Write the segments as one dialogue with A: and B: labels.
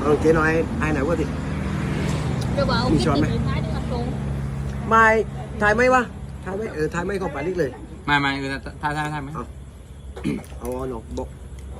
A: เจ๊น้อยไอ้ไหนวะดิมีช้อนไหมไม่ถ่ายไหมวะถ่ายไหมถ่ายไหมของปานิกเลย
B: ไม่ถ่ายไหม
A: เอาหนอกบอก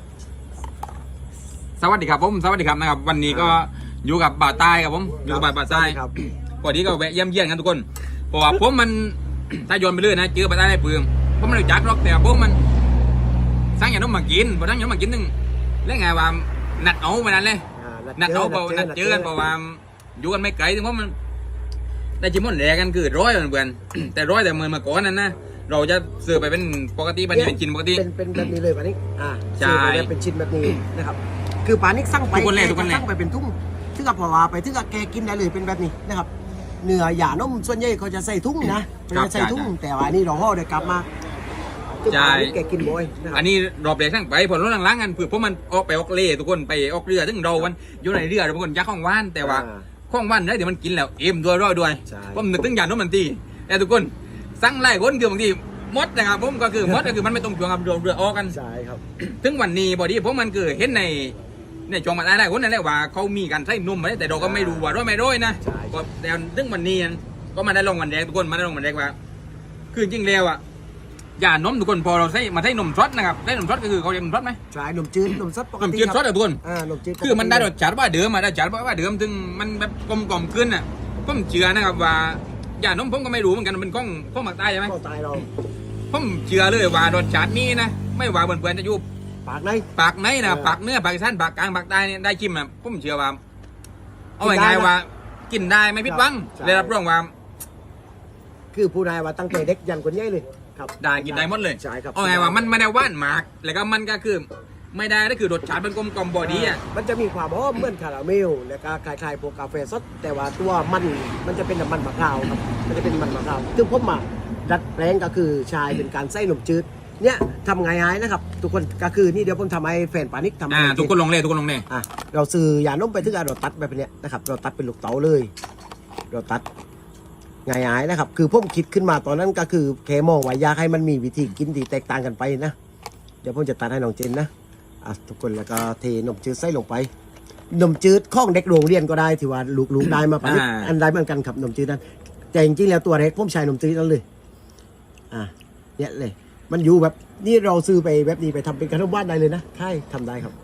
B: สวัสดีครับผมสวัสดีครับนะครับวันนี้ก็อยู่กับบ่าวใต้ครับผมอยู่กับบ่าวใต้พอดีก็แวะเยี่ยมกันทุกคนเพราะว่าผมมันถ้าโยนไปเรื่อยนะเจอบ่าวใต้ได้ปืนผมไม่รู้จักหรอกแต่ผมมันสร้างอย่างน้องมากินพอสร้างอย่างน้องมากินนึงแล้วไงว่านัดเอาไปนั่นเลยนัดเอาเปล่านัดเจอกันเพราะว่าอยู่กันไม่ไกลถึงเพราะมันได้จิมมอนแรกันคือร้อยเหมือนกันแต่ร้อยแต่เมื่อมาก่อนนั้นนะเราจะซื้อไปเป็นปกติปานิกเป็นชิ้นปกติ
A: เป็นแบบนี้เลยปานิกซื้อไปเป็นชิ้นแบบนี้นะครับคือปานิกสั่งไปสั่งไปเป็นทุ่งถึงกับพอว่าไปถึงกับแกกินได้เลยเป็นแบบนี้นะครับเนื้อหย่านมส่วนใหญ่เขาจะใส่ทุ่งนะจะใส่ทุ่งแต่ว่านี่เราห่อเดี๋ยวกลับมาแกกินบ่อย
B: อันนี้รอบแรกสั่งไปผลรถล้างๆกันเพื่อเพราะมันออกไปออกเล่ทุกคนไปออกเรือถึงเราวันอยู่ในเรือทุกคนยักษ์ข้องว่านแต่ว่าข้องว่านได้เดี๋ยวมันกินแล้วเอ็มด้วยผมนึกถึงอย่างนั้นมันตีแต่ทุกคนสั่งไล่คนคือบางทีมดนะครับผมก็คือมดก็คือมันไม่ต้องจวงกับเรือออกกัน
A: ใช่ครับ
B: ถึงวันนี้พอดีผมมันคือเห็นในจวงมาได้คนนั่นแหละว่าเขามีการใช้นมมาแต่เราก็ไม่รู้ว่าร้อยไม่ร้อยนะก็แต่ถึงวันนี้ก็มาได้ลงวันแรกทุกคนมาได้ลงวันแรกว่าคือจริงแล้วอ่ะอย่านมทุกคนพอเราใช้มาใช้นมซอสนะครับได้นมซอสก็คือเขาเรียกนมซอสไหม
A: ใช่นมจืดนมซอสปกติ
B: นมจืดซอสทุกคน
A: นมจืด
B: คือมันได้รสจัดว่าเดิมมาได้จัดว่าเดิมถึงมันแบบกลมขึ้นอ่ะผมเชื่อนะครับว่าอย่านมผมก็ไม่รู้เหมือนกันเป็นข้องหมักตายใช่ไหม
A: ข้องตายเรา
B: ผมเชื่อเลยว่ารสจัดนี้นะไม่ว่าเพื่อนๆจะอยู่
A: ปาก
B: ไหนนะปากเนื้อปากสั้นปากกลางปากใต้เนี่ยได้จิ้มนะผมเชื่อว่าเอาไงว่ากินได้ไม่ผิดหวังเลยรับรองว่า
A: คือผู้นายว่าตั้งแต่เด็กยันคนใหญ่เลยครับ
B: ได้กินได้หมดเลย
A: ใช่ครับ
B: เอาไงว่ามันไม่ได้หวานมากแล้วก็มันก็คือไม่ได้ก็คือรสชาติมันกลมบอดี้อ่ะ
A: มันจะมีความหอมเหมือนคาราเมลแล้วก็คล้ายๆพวกกาแฟสดแต่ว่าตัวมันจะเป็นน้ำมันมะพร้าวครับมันจะเป็นมันมะพร้าวซึ่งผมมาดัดแปลงก็คือชายเป็นการใส่นมจืดเนี่ยทำไงนะครับทุกคนก็คือนี่เดี๋ยวผมทำให้แฟนปานิกทำ
B: ทุกคนลงเลย
A: เราซื้อยานมไปถึงเราตัดแบบนี้นะครับเราตัดเป็นลูกเต๋าเลยเราตัดง่ายๆนะครับคือผมคิดขึ้นมาตอนนั้นก็คือแค่มองว่าอยากให้มันมีวิธีกินที่แตกต่างกันไปนะเดี๋ยวผมจะตัดให้น้องเจนนะทุกคนแล้วก็เทนมจืดใส่ลงไปนมจืดข้องเด็กโรงเรียนก็ได้ที่ว่าลูกได้มาปานิกอันใดเหมือนกันครับนมจืดนั้นแต่จริงๆแล้วตัวเล็กผมใช้นมจืดนั้นเลยเนี่ยเลยมันอยู่แบบนี่เราซื้อไปแบบนี้ไปทำเป็นขนมว่านได้เลยนะใช่ทำได้ครับ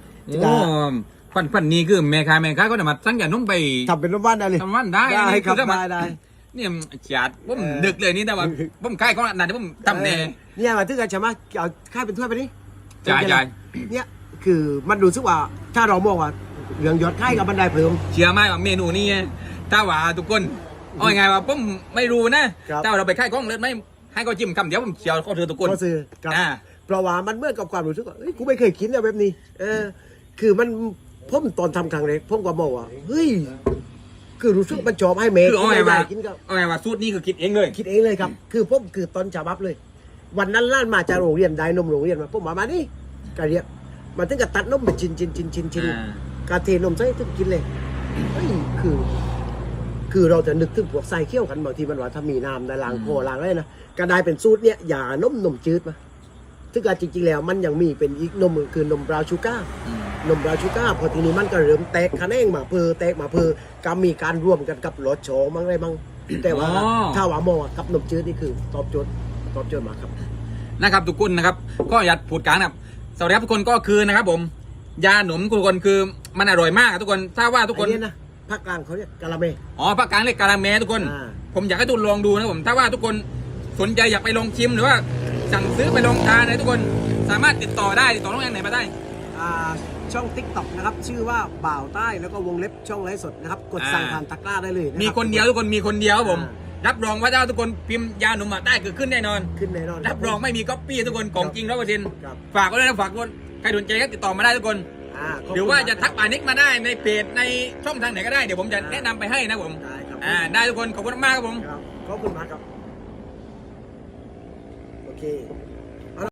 B: ฝันนี้คือแม่ค้าก็จะมาสั่งยานมไป
A: ทำเป็นขนมว่านได้เลย
B: ทำว่านได้
A: ครับได้
B: เนี่ยจัดผมดึกเลยนี่แต่ว่าผมค่ายของนั่นที่ผมทำ
A: เนี่ยมาถึงกันใช่ไหมเอาค่ายเป็นถ้วยไปดิ
B: จ่าย
A: เนี่ยคือมันดูซึกว่าถ้าเรามองว่าเรื่องยอดค่ายกับบันไดเพิ่ม
B: เชื่อไหมว่าเมนูนี้ถ้าว่าทุกคนเอาไงว่าผมไม่รู้นะถ้าเราไปค่ายของเลิศไหมให้เขาจิ้มคำเดียวผมเชียวเขาถือทุกคน
A: เขาซื้อเพราะว่ามันเมื่อกับความรู้สึกว่าเฮ้ยกูไม่เคยกินแบบนี้คือมันผมตอนทำครั้งแรกผมก็บอกว่าเฮ้ยคือรู้สึกมันชอบให้เมย์
B: เอาไงว่าสูตรนี้คือคิดเองเลย
A: ครับคือผมคือตอนฉบับเลยวันนั้นล้านมาจากโรงเรียนได้นมโรงเรียนมาผมมานี่กะเรียบมันถึงกับตัดนมเป็นชิ้นกาเทนมใส่ถึงกินเลยเฮ้ยคือเราจะนึกถึงพวกใส่เคี่ยวกันบางทีมันว่าถ้ามีน้ำได้ล้างคอล้างอะไรนะก็ได้เป็นสูตรเนี่ยอย่านมจืดมาซึ่งจริงๆแล้วมันยังมีเป็นอีกนมคือนมบราวน์ชูการ์พอทีนี้มันก็เริ่มแตกคะแนนมาเพอก็มีการร่วมกันกับรสโชว์มั้งอะไรมั้งแต่ว่าถ้าว่าโมกับนมจืดนี่คือตอบโจทย์มาครับ
B: นะครับทุกคนนะครับก็อยากพูดกันนะครับสวัสดีครับทุกคนก็คือนะครับผมยาหนมทุกคนคือมันอร่อยมากทุกคนถ้าว่าทุกคน
A: นะภาคกลางเขาเรียกกะละเม
B: ภาคกลางเรียกกะละเมทุกคนผมอยากให้ทุกคนลองดูนะผมถ้าว่าทุกคนสนใจอยากไปลองชิมหรือว่าสั่งซื้อไปลองทานนะทุกคนสามารถติดต่อน้องแอนไหนมาได้
A: ช่อง TikTok นะครับชื่อว่าบ่าวใต้แล้วก็วงเล็บช่องไลฟ์สดนะครับกดสั่งผ่านตะกร้าได้เลย
B: มีคนเดียวทุกคนมีคนเดียวผมรับรองว่าถ้าทุกคนพิมพ์ยาหนุ่มได้คือขึ้นแน่นอนรับรองไม่มีก๊อปปี้ทุกคนของจริง100%ฝากไว้ด้วยนะฝากคนใครสนใจก็ติดต่อมาได้ทุกคนหรือว่าจะทักปานิกมาได้ในเพจในช่องทางไหนก็ได้เดี๋ยวผมจะแนะนำไปให้นะผมได้ทุกคนขอบคุณมากครับผม
A: ขอบคุณมากครับโอเค